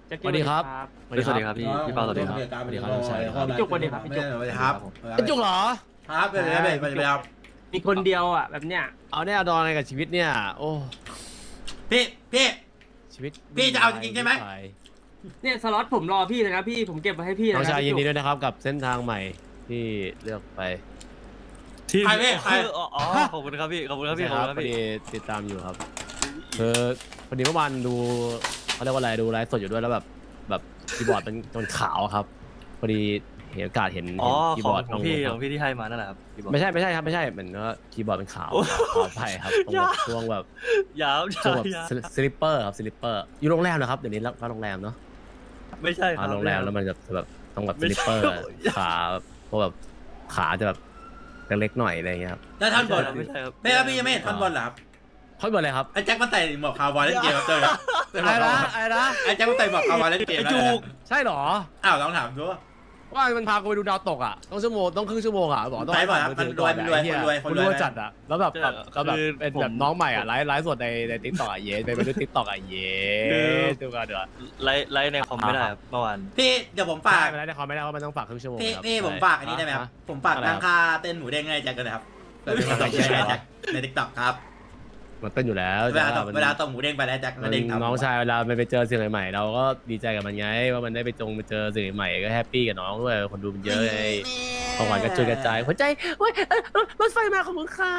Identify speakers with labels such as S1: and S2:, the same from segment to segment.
S1: สวัสดีครับ
S2: สวัสดีครับพี่เปาสวัสดีครับ
S3: สวัสดีครับ
S1: พี่จุกสวัสดีครับพี่จุก
S3: สวัสดีครับ
S1: ไอ้จุกเหรอ
S3: ครับเป็นไรเป็นไรครับ
S1: มีคนเดียวอ่ะแบบเนี้ย
S4: เอาแน่เอาดอนอะไรกับชีวิตเนี่ย โอ้
S3: พี่
S4: ชีวิต
S3: พี่จะเอาจริงๆใช่ไหม
S1: เนี่ยสล็อตผมรอพี่เลยนะพี่ผมเก็บไว้ให้พี่
S4: น้อง
S1: นะ
S4: ชายยินดี
S1: พี่จุก
S4: ด้วยนะครับกับเส้นทางใหม่ที่เลือกไป
S2: ที่
S3: ใครพี่ใคร
S2: อ๋อขอบคุณครับพี่ขอบคุณครับพี่ขอบคุณครับ
S4: พอ
S2: พี่
S4: ดีติดตามอยู่ครับคือพอดีเมื่อวานดูเขาเรียกว่าอะไรดูไลฟ์สดอยู่ด้วยแล้วแบบคีย์บอร์ดมันขาวครับพอดีเห็นโอกาสเห็น
S2: อ๋อ
S4: คีย์
S2: ข
S4: บ
S2: อง
S4: อร์ด
S2: ของพี่ที่ให้มานั่นแหละครับพี่บอก
S4: ไม่ใช่ครับไม่ใช่เหมือนว่าคีย์บอร์ดเป็นขาว
S2: โอ้
S4: ขาวไปครับตรงแบบช่วงแบบ
S2: ยาว
S4: ช่วงแบบ
S2: ยาว
S4: สลิปเปอร์ครับสลิปเปอร์อยู่โรงแรมนะครับเดี๋ยวนี้รับโรงแรมเนาะ
S2: ไม่ใช่ครับ
S4: โรงแรมแล้วมันจะแบบต้องแบบส
S2: ไม่ใช่
S4: ลิปเปอร์ขาเพราะแบบขาจะแบบเล็กๆหน่อยอะไรอย่างเงี้ยครับ
S3: แล้วท่อนบน
S2: ไม่ใช่ครับ
S3: ไม่ครับพี่ยังไม่เห็นท่อนบนเหรอครับ
S4: ค่อยบอกเลยครับ
S3: ไอ้แจ็คมันใส่หมวกคาวบอยเล่นเกมครับเจอครับไอ้แจ็คมันใส่หมวกคาวบอยเล่นเกม
S4: ไอ้
S3: แล้ว
S4: จูกใช่เหรอ
S3: อ้าวลองถามดู
S4: ว่ามันพากูไปดูดาวตกอ่ะต้องครึ่งชั่วโมงอ่ะบอกต้อง
S3: ไปบ่อยครับ
S4: มือถือก่อ
S3: มันรวย
S4: ไอ้เหี้
S3: คนรวย
S4: จัดอ่ะแล้วแบบเป็นแบบน้องใหม่อ่ะไลฟ์สดในติ๊กต็อกอ่ะเย้ไปดูติ๊กต็อกอ่ะเย้ดูกันเดี๋ยว
S2: ไลฟ์ในคอมไม่ได้ครับเมื่อวาน
S3: พี่เดี๋ยวผมฝาก
S4: ไม่ได้ในคอมไม่ได้เพราะมันต้องฝากครึ่งชั่วโมง
S3: พี่ผมฝากอันนี้ได้ไหมครับผมฝากตั้งค่าเต้นหมูเด้งให้แจ็คกันนะครับเปิดเป็นมาส่งให้แจ็คในทิกตอกครับ
S4: มันเต้นอยู่แล้ว
S3: เวลาส่งหมูเด้งไปแล้วแจ็คมาเด้งทำ
S4: น้องชายเวลาไปเจอสิ่งใหม่ๆเราก็ดีใจกับมันไงว่ามันได้ไปเจอสิ่งใหม่ก็แฮปปี้กับน้องด้วยคนดูมันเยอะไงของขวัญกระจุยกระจายหัวใจเฮ้ยรถไฟมาของมึงครับ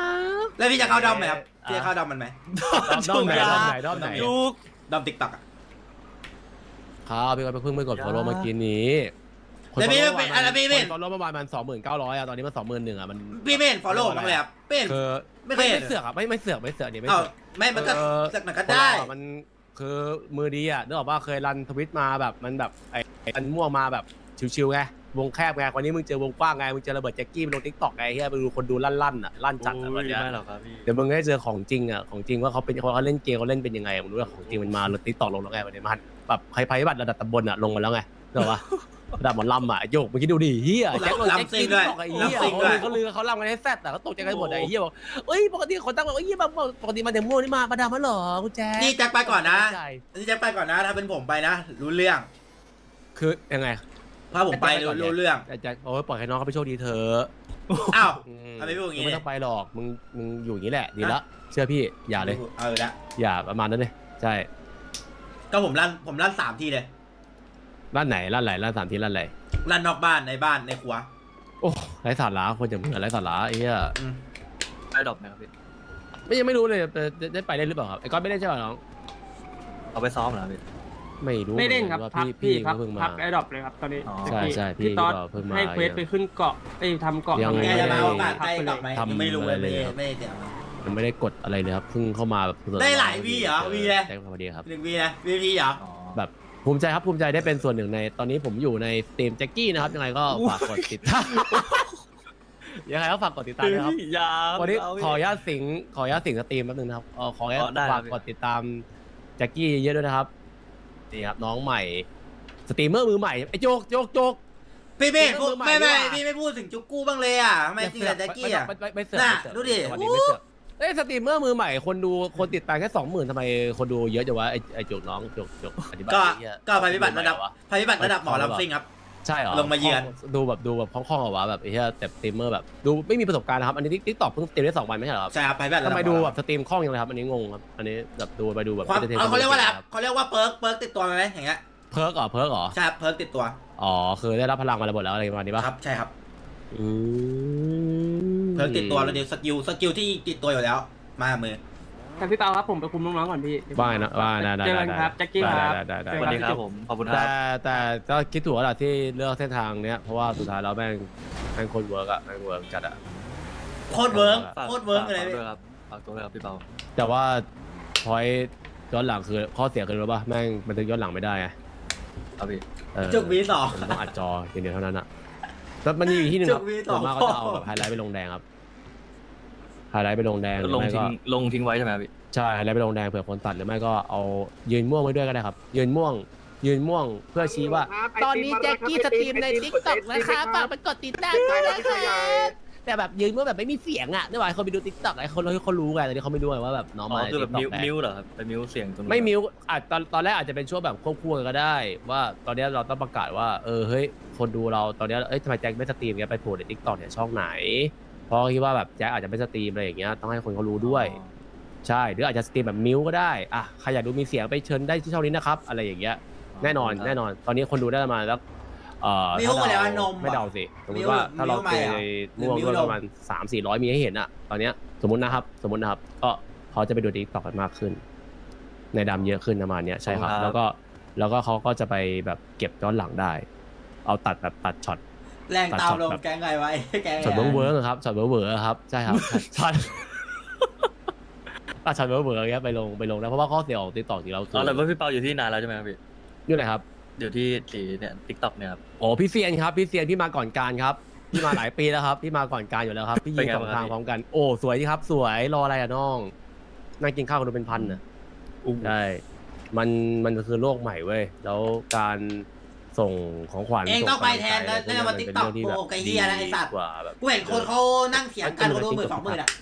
S3: แล้วพี่จะเข้าดอมไหมครับพี่จะเข้าดอมมันไหม
S4: ด้อมไหน
S2: ลูก
S3: ดอมทิกตอกอ่ะ
S4: ครับพี่ก็เพิ่งไปกด follow เมื่อกี้นี้
S3: แล้วพี่เป็นอะไรพี่เป็น
S4: ฟอลโล่เมื่อวานมัน29,000อ่ะตอนนี้มัน21,000อ่ะมัน
S3: พี่ไม่เห็นฟอลโล่บ้างเลยครับเป็น
S4: คือ
S3: ไม่เคยเห็น
S4: ไม่เสือกอ่ะไม่เสือกนี่ไม่
S3: เอ้า
S4: เสือก
S3: ไม่มันก็สักหน่อยก็ได้
S4: มันคือมือดีอ่ะนึกออกว่าเคยรันทวิตมาแบบมันแบบไอ้มันมั่วมาแบบชิวๆไงวงแคบไงวันนี้มึงเจอวงกว้างไงมึงเจอระเบิดแจ็คกี้ไปลงทิกตอกไงเฮียไปดูคนดูลั่นอ่ะลั่นจัดอ่ะวันเนี้ย
S2: ไม่หรอกครับพี่
S4: เดี๋ยวมึงได้เจอของจริงอ่ะของจริงว่าเขาเล่นเกมเขาเล่นเป็นยังไงมึงรู้ว่าของจริงมันมาลงทิกตอกลงแล้วไงวันนี้มันแบบภัยพิบัติระดับตำบลอ่ะลงมาแล้วไงนึกออกปะระดับหมอลำอ่ะโยกมึงคิดดูดิเฮียแจ็คลงแจ็คกี้ตอกไอ้เฮียเขาลือเขาลำกันให้แซ่บแต่เขาตกใจกันหมดไอ้เฮียบอกเอ้ยปกติคนตั้งบอกเอ้ยปกติมาแต่ม่วงนี่มาดามมาหรอกูแจ๊
S3: นี่แจ็คไปก่อนนะนี่แจ็คไปก่อนนะถ้าเป็นผมไปนะรู้เรื่อง
S4: คือยังไง
S3: ถ้าผมไปรู้เรื่อง
S4: แจ็คโอ้ยปล่อยให้น้องเขาไปโชคดีเถอะ
S3: อ้าวทำไมพูดอย่างงี้
S4: ไม่ต้องไปหรอกมึงอยู่อย่างนี้แหละดีละเชื่อพี่อย่าเลย
S3: ละ
S4: อย่าประมาณนั้นเลยใช่
S3: ก็ผมลั่น3 ทีเลย
S4: ร้านไหนร้านไหนร้าน3 ที่ร้านไหน
S3: ลั่นนอกบ้านในบ้านในครัว
S4: โอ้ไร้สาระคนจะเหมือนไร้สาระไอ้เหี้ย
S2: ได้ดอกไหมครับพี่
S4: ยังไม่รู้เลยได้ไปได้หรือเปล่าครับไอ้ก้อนไม่ได้ใช่ป่ะน้อง
S2: เอาไปซ้อมเหรอพี่
S4: ไม่รู้
S1: ไม่เล่นครับ
S4: ว่า
S1: พัก
S4: พี่
S1: พัก
S4: เพิ่งมา
S1: พักไอ้ดรอปเลยครับตอนนี้
S2: อ๋อ
S4: ใช่พี่
S1: พี่ตอด
S4: ก็เพิ่งมา
S1: ให้เควสไปขึ้นเกาะทำเกาะ
S4: ยัง
S1: ทำ
S3: แก
S1: อะไร
S3: จะมา
S1: เลย
S3: โอกาส
S1: พั
S3: ใกล้
S1: ไป
S3: ก
S1: เล
S3: ลับ
S1: ย
S3: ไหม
S4: ทำ
S3: ไม่รู้
S4: อะไรเลย
S3: ไม่เดี๋ยว
S4: มันไม่ได้กดอะไรเลยครับเพิ่งเข้ามาแบบ
S3: ได้หลายวีเหรอวีเลย
S4: ได้พอดีครับ
S3: 1 วีนะวีเหรอ
S2: อ๋อ
S4: แบบภูมิใจครับภูมิใจได้เป็นส่วนหนึ่งในตอนนี้ผมอยู่ในสตรีมแจ็คกี้นะครับยังไงก็ฝากกดติดตามยังไงก็ฝากกดติดตามด้วยครับ
S2: ยา
S4: วันนี้ขออนุญาตสิงสตรีมแป๊บนึงนะครับขออนุญาต
S2: ได้ครับ
S4: ฝากกดติดตามแจ็คกี้เยอะด้วยนะครับนี่ครับน้องใหม่สตรีมเมอร์มือใหม่ไอ้โจก
S3: พี่เมฆ
S4: มือใหม่
S3: ไม่
S4: ดีกว่า
S3: พี่ไม่พูดถึงจุกกู้บ้างเลยอ่ะทำไมจริงแต่แจ็คกี้อ่ะ
S4: ไม่เสือก
S3: น่ะ
S4: ไม่เสือก
S3: ดูดิ
S4: วันนี้ไม่เสือกเอ้ยสตรีมเมอร์มือใหม่คนติดตามแค่ 20,000ทำไมคนดูเยอะจังวะไอ้โจกน้องโจกอธิบาย
S3: ก็
S4: เหี้ย
S3: ก็ภัยพิบัติระดับหมอลำซิ่งครับ
S4: ใช่เหรอ
S3: ลงมาเยือน
S4: ดูแบบคล่องๆเหรอวะแบบไอ้เหี้ยแต่สตรีมเมอร์แบบดูไม่มีประสบการณ์นะครับอันนี้ติ๊กต็อกเพิ่งสตรีมได้2 วันไม่ใช่เหรอครับ
S3: ใช่ครับภัยพิบัติระดั
S4: ทำ
S3: บ
S4: ไมดูแบบสตรีมคล่องยังเลยครับอันนี้งงครับอันนี้แบบดูไปดูแบบ
S3: ความ
S4: entertain
S3: เขาเรียกว่าอะไรครับเขาเรียกว่าเพิร์กติดตัวไหมอย่างเงี้ย
S4: เพิร์กเหรอ
S3: ใช่ครับเพิร์กติดตัว
S4: อ๋อคือได้รับพลังมาระเบิดแล้วอะไรประมาณนี้ป่ะ
S3: ครับใช่ครับ
S4: อืม
S3: เพิร์กติดตัวแล้วเดี๋ยวสกิลที่ติดตัวอยู่แล้วมามือ
S1: แต่พี่เปาครับผมไปคุมน้องๆก่อนพี่
S4: ว่าไงนะว่าได้
S1: เจอกันครับแจ็คกี้ครับ
S4: ได้
S2: สวัสดีครับผมขอบคุณครับ
S4: แต่ก็คิดถูกแล้วล่ะที่เลือกเส้นทางเนี้ยเพราะว่าสุดท้ายแล้วแม่งโคตรเวิร์กอะแม่งเวิร์กจัดอะ
S3: โคตรเวิร์ก
S2: ฝาก
S3: โคตรเวิร์กเลย
S2: ด้วยครับฝากตัวเลยครับพี่เปา
S4: แต่ว่าพอยย้อนหลังคือข้อเสียคือรู้ป่ะแม่งบันทึกย้อนหลังไม่ได้ไง
S2: ครับพี่
S3: จุกวีสอง
S4: มันต้องอัดจออย่างเดียวเท่านั้นอะแล้วมันมีอยู่ที่หนึ่งครับ
S3: จุกวีต่
S4: ส่
S3: อ
S4: วนมากก็จะเอาแบบไฮไลท์ไปลงแดงครับไฮไลท์ไปลงแดงหรือ
S2: ลง
S4: ไม่
S2: ทิ้
S4: ก็
S2: งลงทิ้งไว้ใช่ไหมครับพี่
S4: ใช่ไฮไลท์ไปลงแดงเผื่อคนตัดหรือไม่ก็เอายืนม่วงไว้ด้วยก็ได้ครับยืนม่วงเพื่อชี้ว่า ตอนนี้แจ็คกี้สตรีมในทิกตอกนะคะฝากไปกดติดตามด้วยนะคะแต่แบบยืนว่าแบบไม่มีเสียงอ่ะนึกว่าคนไปดูติ๊กต็อกไอ้คนเขารู้ไงแต่นี่เขาไม่รู้ไงว่าแบบน้อง
S2: อ๋
S4: มา
S2: อคือแบบ
S4: TikTok
S2: มิวเหรอครับไปมิวเสียงตรงนู้น
S4: ไม่มิวอาจตอนแรกอาจจะเป็นช่วงแบบควบคู่กันก็ได้ ว่าตอนนี้เราต้องประกาศว่าเฮ้ยคนดูเราตอนนี้ทำไมแจ็คไม่สตรีมเงี้ยไปโผล่ในติ๊กต็อกเนี่ยช่องไหนเพราะคิดว่าแบบแจ็คอาจจะไม่สตรีมอะไรอย่างเงี้ยต้องให้คนเขารู้ด้วย ใช่หรืออาจจะสตรีมแบบมิวก็ได้อ่ะใครอยากดูมีเสียงไปเชิญได้ที่ช่องนี้นะครับอะไรอย่างเงี้ยแน่นอนตอนนี้คนดูได้ประมาณแล้ว
S3: มิวอะไรวะนม
S4: ไม่เดาสิสมมติว่าถ้าเราเจอม่วงด้วยประมาณ300-400มีให้เห็นอะตอนเนี้ยสมมตินะครับก็เขาจะไปดูติ๊กต็อกกันมากขึ้น ในดำเยอะขึ้นประมาณเนี้ยใช่ครับแล้วก็เขาก็จะไปแบบเก็บย้อนหลังได้ เอาตัดช็อต
S3: แรงตามลงแกงไงไว้แกง
S4: ช็อตเวิร์กครับช็อตเวิร์กครับใช่ครับช็อตช็อตเวิร์กอย่างเงี้ยไปลงนะเพราะว่าข้อเสียของติ๊กต็อกที่เราคือ
S2: อ๋อแล้วว่าพี่เปาอยู่ที่นานแล้วใช่ไหมครับพี่
S4: อยู่ไหนครับ
S2: อยู่ที่สีเนี่ยทิกตอกเนี่ยครับ
S4: โอ้พี่เซียนครับพี่มาก่อนการครับพี่มาหลายปีแล้วครับพี่มาก่อนการอยู่แล้วครับพี่ยิงสองทางพร้อมกันโอ้สวยดีครับสวยรออะไรอะน้องนั่งกินข้าวกันดูเป็นพันน่ะใช่มันคือโลกใหม่เว้ยแล้วการส่งของขวัญ
S3: เองต้องไปแทนแล้วมาติ๊กต็อกโอ้ไอ้เหี้ยนะไอ้สัตว์
S4: กว่าแบบ
S3: กูเห็นคนเขานั่งเถียงกันคนดู10,000-20,000อ่ะ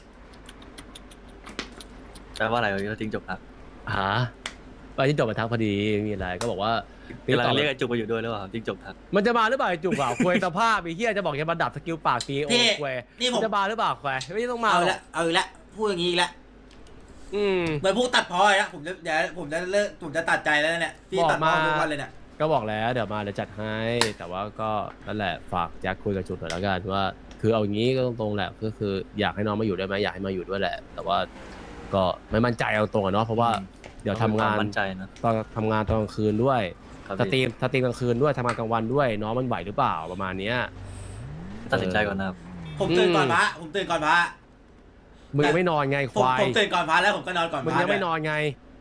S2: แปลว่าอะไรพี่ทิ้งจบครับ
S4: หาไปที่จบมาทักพอดีมีอะไรก็บอกว่า
S2: กำลังเรียกไอ้จุกมาอยู่ด้วยหรือเปล่าทิ้งจบทัก
S4: มันจะมาหรือเปล่าไอ้จุกอ่ะคุยสภาพไอ้เหี้ยจะบอกจะมาดับสกิลปากตีโอ้คุย
S3: นี่ผม
S4: จะมาหรือเปล่าคุยไม่ต้องมา
S3: เอา
S4: หร
S3: ละ
S4: อก
S3: เอาอีกแล้วพูดอย่างนี้อีกแล้ว เหมือนพูดตัดพอเลยนะผมจะเดี๋ยวผมจะเลิกผมจะตัดใจแล้วเนี่ยพี่ตัดพอทุกวันเลยเนี่ย
S4: ก็บอกแล้วเดี๋ยวมาเดี๋ยวจัดให้ แต่ว่าก็นั่นแหละฝากแจ็คคุยกับจุดหน่อยแล้วกันว่าคือเอาอย่างนี้ก็ตรงๆแหละก็คืออยากให้น้องมาอยู่ได้ไหมอยากให้มาอยู่ด้วยแหละ แต่ว่าก็ไม่มั่นใจเอาตรงอะเนาะเพราะว่าเดี๋ยวทำงาน
S2: มั่นใจนะ
S4: ตอนทำงานตอนกลางคืนด้วย
S2: ครับ
S4: สตรี
S2: พี่
S4: มกลางคืนด้วยทำงานกลางวันด้วยน้องมันไหวหรือเปล่าประมาณเนี้ย
S2: ตัดสินใจก่อนนะครับ
S3: ผมตื่นก่อนพระผมตื่นก่อนพระ
S4: มึงยังไม่นอนไงค
S3: ผม
S4: วาย
S3: ผมตื่นก่อนพระแล้วผมก็นอนก่อนพ
S4: มึง
S3: ระ
S4: ยังไม่นอนไง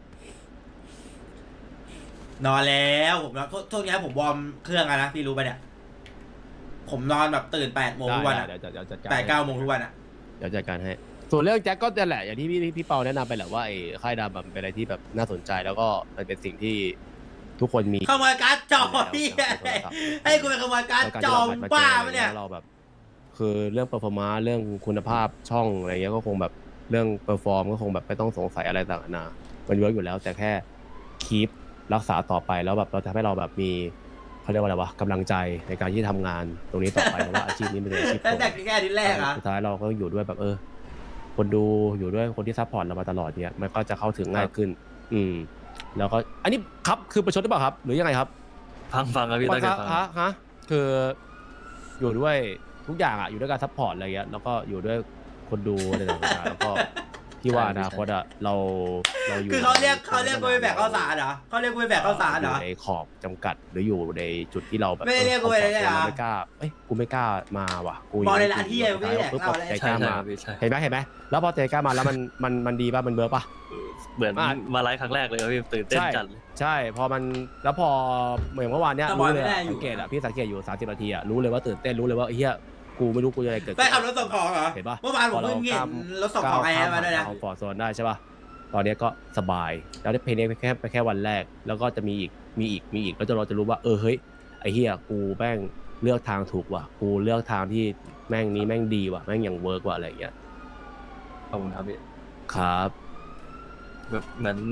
S3: นอนแล้วผมทุกนี้ผมวอร์มเครื่องอะนะพี่รู้ป่ะเนี่ยผมนอนแบบตื่น8 โมงทุกวันอะ
S4: เดี๋ยวจัดการ
S3: 8-9 โมงทุกวันอะ
S4: เดี๋ยวจัดการให้ส่วนเรื่องแจ็คก็นั่นแหละอย่างที่พี่เปาแนะนำไปแหละว่าไอ้ค่ายดำเป็นอะไรที่แบบน่าสนใจแล้วก็มันเป็นสิ่งที่ทุกคนมี
S3: ขโมยการ์ดจอพี่ให้กูไปขโมยการ์ดจอบ้าปะเนี่ย
S4: เราแบบคือเรื่องเปอร์ฟอร์มาเรื่องคุณภาพช่องอะไรเงี้ยก็คงแบบเรื่องเปอร์ฟอร์มก็คงแบบไม่ต้องสงสัยอะไรต่างๆนามันเวิร์กอยู่แล้วแต่แค่คีปรักษาต่อไปแล้วแบบเราทำให้เราแบบมีเขาเรียกว่าอะไรวะกำลังใจในการที่ทำงานตรงนี้ต่อไปเพราะว่าอาชีพนี้เป็นอาชีพ
S3: ตั้งแต่แค่อาทิตย์แรกอะ
S4: สุดท้ายเราก็อยู่ด้วยแบบคนดูอยู่ด้วยคนที่ซัพพอร์ตเรามาตลอดเนี่ยมันก็จะเข้าถึงง่ายขึ้น แล้วก็อันนี้ครับคือประชดหรือเปล่าครับ หรือยังไงครับ
S2: ฟังครับพี่ตั้งใจฟัง
S4: ฮะคืออยู่ด้วยทุกอย่างอ่ะอยู่ด้วยการซัพพอร์ตอะไรเงี้ยแล้วก็อยู่ด้วยคนดูอะไรต่างๆแล้วก็ที่ว่าอนาคตอ่ะเราอยู่
S3: คือเขาเรียกกูไปแบกข้าวสารเหรอเขาเรียกกูไปแบกข้าวสารเหรอ
S4: ในขอบจำกัดหรืออยู่ในจุดที่เราแบบ
S3: ไม่ได้เรียกกูไปเลยเหรอ
S4: ไม่กล้ากูไม่กล้ามาว่ะกู
S3: บอกในร้านที่ยังไม่ได้แดกเหล้าเลย
S4: ใจก
S2: ใช่
S4: ล้า
S2: ใช่
S4: มา
S2: ครับพี่ใช่
S4: เห็นไหมแล้วพอใจกล้ามาแล้วมันดีป่ะมันเบิร์ป่ะ
S2: เหมือนมาไลฟ์ครั้งแรกเลยครับพี่ตื่นเต้นจัดเลย
S4: ใช่พอมันแล้วพอเหมือนเมื่อวานเนี้ย
S3: สป
S4: รู้
S3: อย
S4: เลย
S3: ไม่ได้อยู่
S4: สังเกตอ่ะพี่สังเกตอยู่30 นาทีอ่ะรู้เลยว่าตื่นเต้นรู้เลยว่าเฮียกูไม่รู้กูจะอะไรเกิด
S3: ไปขับรถส่งของเหรอ
S4: เห็นปะ
S3: เมื่อวานผมเพิ่งเห็นรถส่งของไอ้แอร์มาด้วยนะ
S4: เอาฟอร์โซนได้ใช่ป่ะตอนเนี้ยก็สบายแล้วได้เพลงนี้ไปแค่วันแรกแล้วก็จะมีอีกแล้วเราจะรู้ว่าเฮ้ยไอ้เฮียกูแม่งเลือกทางถูกว่ะกูเลือกทางที่แม่งนี้แม่งดีว่ะแม่งอย่างเวิร์กว่ะอะไรอย่างเงี้ย
S2: ขอบคุณครับพี่
S4: ครับ
S2: แบบเหมือน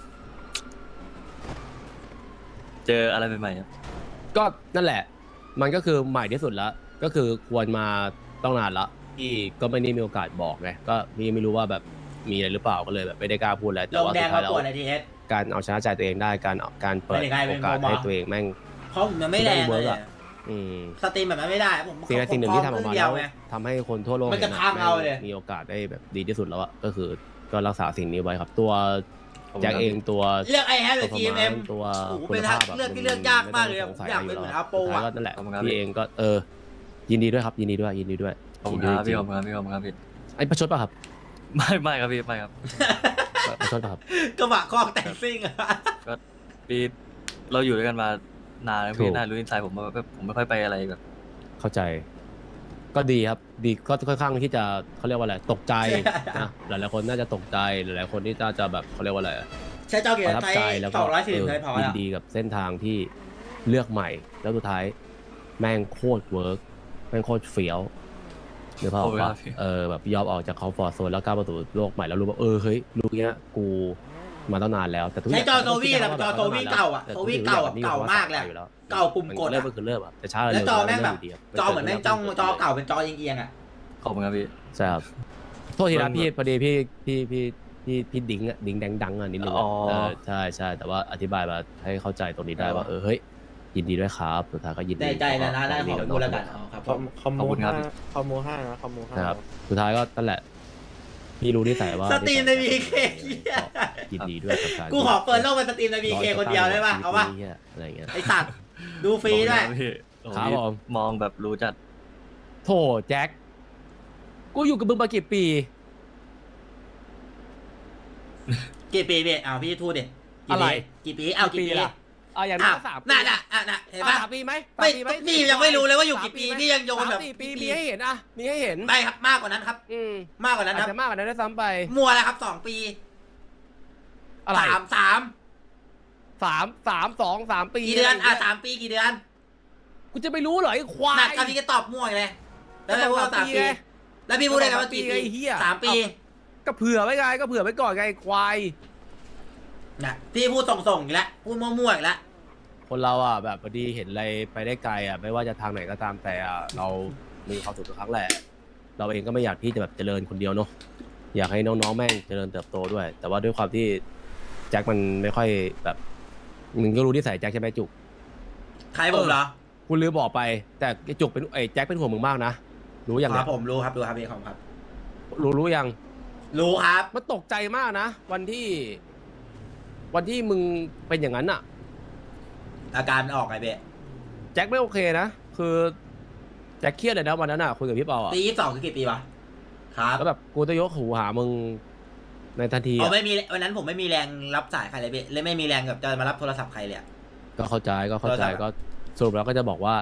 S2: เจออะไรใหม่ๆครับ
S4: ก็นั่นแหละ มันก็คือใหม่ที่สุดแล้วก็คือควรมาต้องนานละที่ก็ไม่ได้มีโอกาสบอกไงก็ไม่รู้ว่าแบบมีอะไรหรือเปล่าก็เลยแบบไม่ได้กล้าพูดอะไร
S3: ล
S4: แต่
S3: ง
S4: ว่า
S3: แด
S4: สุ
S3: ง
S4: ดท้า
S3: มาย
S4: แล้ว
S3: ปวดในทีเอส
S4: การเอาชนะใจตัวเองได้การเปิด
S3: ไม่ได้กลายเป็น
S4: โอกาส
S3: โมบะ
S4: ให้ตัวเองแม่ง
S3: เขามันไม่แรงเลยอะ
S4: อืม
S3: สตรีมแบบนั้นไม่ได้ผม
S4: สิ่งหนึ่งที่ทำออกมา
S3: เดี
S4: แล้
S3: ยว
S4: ว
S3: ไง
S4: ทำให้คนทั่วโลก
S3: มันจะ
S4: ห็
S3: พังเอาเลย
S4: มีโอกาสได้แบบดีที่สุดแล้วอะก็คือก็รักษาสิ่งนี้ไว้ครับ ตัว
S2: ขอบคุณ
S4: แจ็ค
S2: ครับ
S4: เองตัว
S3: เลือกไอแฮปหรือ GMM
S4: ตัว
S3: โอ้โห
S4: คุ
S3: เป็
S4: ณ
S3: น
S4: ภาพแบบ
S3: เลือกที่เลือกยากมากเลยอะ
S4: ไต้งสงสั
S3: อยากเป็นเหมือนอาโป
S4: สุดท้าย
S3: อะ
S4: ก็นั่นแหละ
S2: ขอบคุณครับ
S4: พี่เองก็ยินดีด้วยครับยินดีด้วย
S2: ขอบคุณครับ
S4: จริ
S2: พี่
S4: ง
S2: ขอบคุณครับพี่ขอบคุณครับพี่
S4: ไอ้ประชดป่ะครับ
S2: ไม่ครับพี่ไม่ครับ
S4: ประชดป่ะครับ
S3: กระบะคอกแต่งซิ่งอะ
S2: พี่เราอยู่ด้วยกันมานานแล้ว
S4: ถู
S2: พี่
S4: ก
S2: น่ารู้นิสัยผมว่าแบบผมไม่ค่อยไปอะไรแบบ
S4: เข้าใจ ก็ดีครับ ดีก็ค่อนข้างที่จะเขาเรียกว่าอะไรตกใจนะหลายๆคนน่าจะตกใจหลายๆคนที่น่าจะแบบเขาเรียกว่าอะไร
S3: ใช้เจ้าเกีย
S4: ป
S3: ร์
S4: ระทับ
S3: ไทย
S4: ใจแล้วก็
S3: 240ไทยพอ
S4: ยิ
S3: แล้
S4: น
S3: ว
S4: ดีกับเส้นทางที่เลือกใหม่ แล้วสุดท้ายแม่งโคตรเวิร์กแม่งโคตรเฟี้ยวหรือเปล่า
S2: โอ้ยครั
S4: ว่า
S2: บพี่
S4: แบบยอมออกจากคอมฟอร์ตโซนแล้วก้าวประตูโลกใหม่แล้วรู้ว่าเฮ้ยรู้เนี้ยกูมาตั้งนานแล้วแต่ทุกอ
S3: ใช้
S4: ย่าง
S3: จอโซวี่แบบจอโซวี่เก่าอ่ะโซวี่เก่าแบบเก่ามากเลยเก่าปุ่มกด
S4: เริ่ม
S3: อะ
S4: ก็คือเริ่มอะแต่ช้า
S3: แล้วจอแม่งแบบ
S4: เร็วยู่ดีะ
S3: จอเหมือนแม่งจ้องจอเก่าเป็นจอเอียงๆอ่ะ
S2: ขอบคุณครับพี่
S4: ใช่ครับโทษทีนะพี่พอดีพี่ดิ้งอะดิ้งแดงดังอะนิดนึง
S2: อ๋
S4: อะ
S2: อ
S4: ใช่แต่ว่าอธิบายมาให้เข้าใจตรงนี้ได้ว่าเฮ้ยยินดีด้วยครับสุดท้ายก็ยินดี
S3: ได้ใจนะได้ขอบคุณแล้วกันครับผม
S5: คอม
S2: ขอบ
S5: โม
S2: คุณครับ
S5: ห้าคอมโมห้านะคอมโมห้า
S4: นะครับสุดท้ายก็นั่นแหละพี่รู้นิสัยว่า
S3: สตรีมใน BK
S4: ยินดีด้วยกับการ
S3: กูขอเปิดโลกเป็นสตรีมใน BK คนเดียวได้ป่ะเอาป่ะ
S4: อะไรเงี้ย
S3: ไอสัตว์ดูฟรีด้วย
S2: ขอบคุณครับพี่โอ้โห
S4: ครับผม
S2: มองแบบรู้จัด
S4: โถแจ็คกูอยู่กับมึงมากี่ปี
S3: กี่ปีพี่เอาพี่พูดดิ
S4: อะไร
S3: กี่ปีเอากี่ปี
S4: ล่ะอย่าง
S3: อ้า
S4: นั้
S3: วน
S4: 3 ปี
S3: น่ะเห็นป่ะ
S4: 3 ปีไหม
S3: ไม่
S4: 3ปีไหม
S3: พี่ยังไม่รู้เลยว่าอยู่กี่ปีพี่ยังโยนแบบ
S4: 3-4 ปีมีให้เห็นอะมีให้เห็น
S3: ไม่ครับมากกว่านั้นครับ มากกว่านั้น
S4: อา
S3: ค
S4: จ
S3: รับ
S4: จะมากกว่านั้นด้วยซ้ำไป
S3: มัวแล้วครับ2 ปี
S4: อะไร
S3: สาม
S4: 3 ปี
S3: กี่เดือน3 ปีกี่เดือน
S4: กูจะไปรู้เหรอไอ้ควา
S3: หนัก
S4: ย
S3: กับพี่ก็ตอบมั่วอีกเลยแล้วพี่พูดว่า
S4: ก็
S3: 3
S4: 3
S3: ปี
S4: ไง
S3: แล้วพี่พูดได้ไงว่ากี่
S4: ก็
S3: ปี
S4: 3 ปีไอ้เหี้ย
S3: 3 ปี
S4: ก็เผื่อไว้ไงก็เผื่อไว้ก่อนไงไอ้ควาย
S3: นะพี่พูดส่งๆอีกแล้วพูดมั่วๆอีกแล้ว
S4: คนเราอ่ะแบบพอดีเห็นอะไรไปได้ไกลอ่ะไม่ว่าจะทางไหนก็ตามแต่อ่ะเรามีความสุขทุกครั้งแหละ เราเองก็ไม่อยากที่จะแบบเจริญคนเดียวเนาะอยากให้น้องๆแม่งเจริญเติบโตด้วย แต่ว่าด้วยความที่แจ็คมันไม่ค่อยแบบมึงก็รู้นิสัยแจ็คใช่ไหมจุก
S3: ใครผมเหรอ
S4: คุณลืมบอกไป แต่ไอ้จุกเป็นไอ้แจ็คเป็นห่วงมึงมากนะรู้ยัง
S3: ค
S4: เนี่
S3: รั
S4: ย
S3: บผมรู้ครับพี่ครับ
S4: รู้ยัง
S3: รู้ครับ
S4: มันตกใจมากนะวันที่มึงเป็นอย่างนั้นอ่ะ
S3: อาการออกไงเบ๊
S4: แจ็คไม่โอเคนะคือแจ็คเครียดเลยนะวันนั้นอ่ะคุยกับพี่เปาอ่ะ
S3: ปี22คือกี่ปีวะครับ
S4: แล้วแบบกูจะยกหูหามึงในทันที
S3: อ๋อ
S4: อะ
S3: ไม่มีวันนั้นผมไม่มีแรงรับสายใครเลยเบ๊เลยไม่มีแรงแบบจะมารับโทรศัพท์ใครเลยอะ
S4: ก็เข้าใจ
S3: โทรศัพท์อะ
S4: ก็สรุปแล้วก็จะบอกว่า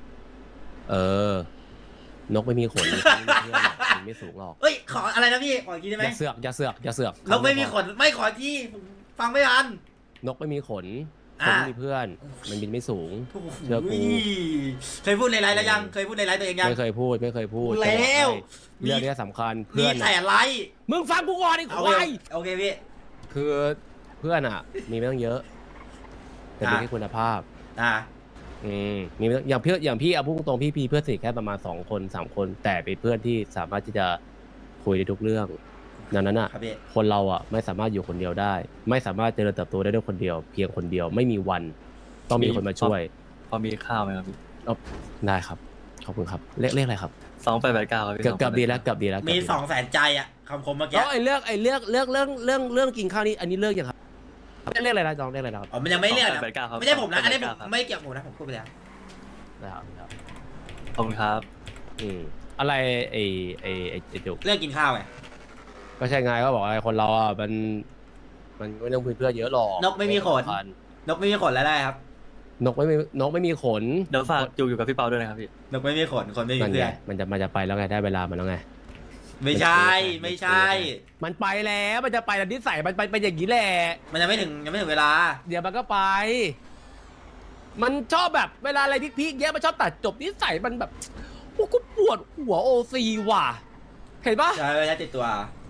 S4: นกไม่มีขนมันไม่สูงหรอก
S3: เอ้ยขออะไรนะพี่ขออีกทีได้ไหม
S4: อย่าเสือก
S3: นกไม่มีขนไม่ขอที่ผมฟังไม่ทัน
S4: นกไม่มีขน
S3: อ่า
S4: คนไม่มีเพื่อน มันบินไม่สูง
S3: โอ้โห
S4: เชื่อกู
S3: เคยพูดในไลน์แล้วยังเคยพูดในไลน์ตัวเองยัง
S4: ไม่เคยพูด
S3: พูดแล้ว
S4: เรื่องนี้สำคัญ
S3: มี
S4: เพื่อน
S3: แต่
S4: อะ
S3: ไลน์
S4: มึงฟังกูก่อนไอ้
S3: โอ
S4: ค
S3: เคว
S4: าย
S3: โอเคพี่
S4: คือเพื่อนอ่ะ มีไม่ต้องเยอะ แต่มีแค่คุณภาพ มีไม่ต้องอย่างพี่เอาพูดตรงๆพี่เพื่อนสนิทแค่ประมาณ2 คน 3 คน แต่เป็นเพื่อนที่สามารถที่จะคุยได้ทุกเรื่องดังนั้นอ่ะ
S3: ครับพี่
S4: คนเราอ่ะไม่สามารถอยู่คนเดียวได้ ไม่สามารถเจริญเติบโตได้ด้วยคนเดียว เพียงคนเดียวไม่มีวัน ต้องมีคนมาช่วย
S2: พอมีข้าวไหมครับพี่
S4: ได้ครับขอบคุณครับเรียกอะไรครับ
S2: 2889ครับพี่
S4: เกือบดีแล้วเกือบดีแล้ว
S3: มี200,000ใจอะคำคมเมื่อกี้
S4: แล้วไอ้เรื่องกินข้าวนี่อันนี้เลิกยังครับเรียกอะไรนะน้องเรียกอะไรนะครับ
S3: อ๋อมันยังไม่เรียกนะ
S2: 2889ครับ
S3: ไม่ใช่ผมนะอันนี้ผม
S2: 2889ครับ
S3: ไม่เกี่ยวผมนะผมพูดไปแล้ว
S4: นะครับ
S2: ขอบคุณครับ
S4: อะไรไอ้จุก
S3: เรื่องกินข้าวไง
S4: ก็ใช่ไงก็บอกอะไรคนเราอ่ะมันไม่ต้องคุยเพื่อนเยอะหรอก
S3: นกไม่มีขน นกไม่มีขนแล้วได้ครับ
S4: นกไม่มีขน
S2: เดี๋ยวฝากจูอยู่กับพี่เปาด้วยนะครับพี่
S3: นกไม่มีขนคนไม่มี
S4: มัน
S3: เพื่
S4: ไง
S3: อน
S4: มันจะไปแล้วไงได้เวลามันแล้วไง
S3: ไม่ใช่ไม่ใช่
S4: มันไปแล้วมันจะไปแล้วนิสัยมันไปอย่างนี้แหละ
S3: มันยังไม่ถึงเวลา
S4: เดี๋ยวมันก็ไป มันชอบแบบเวลาอะไรพีคๆเยอะมันชอบตัดจบนิสัยมันแบบโอ้กูปวดหัวโอซีว่ะเห็นปะ
S3: ใช่ไม่ใช่ติดตัว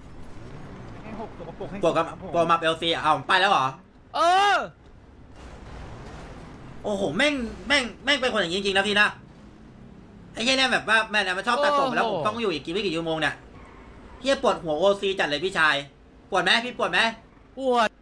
S3: ปวดมาเอลซีเอาไปแล้วเหรอ
S4: เออ
S3: โอ้โหแม่งเป็นคนอย่างนี้จริงๆนะพี่นะไอ้เหี้ยเนี่ยแบบว่าแม่เนี่ยมันชอบตัดผมแล้วผมต้องอยู่อีกไม่กี่ชั่วโมงเนี่ยเหี้ยปวดหัวโอซีจัดเลยพี่ชายปวดไหมพี่ปวดไหม
S4: ปวด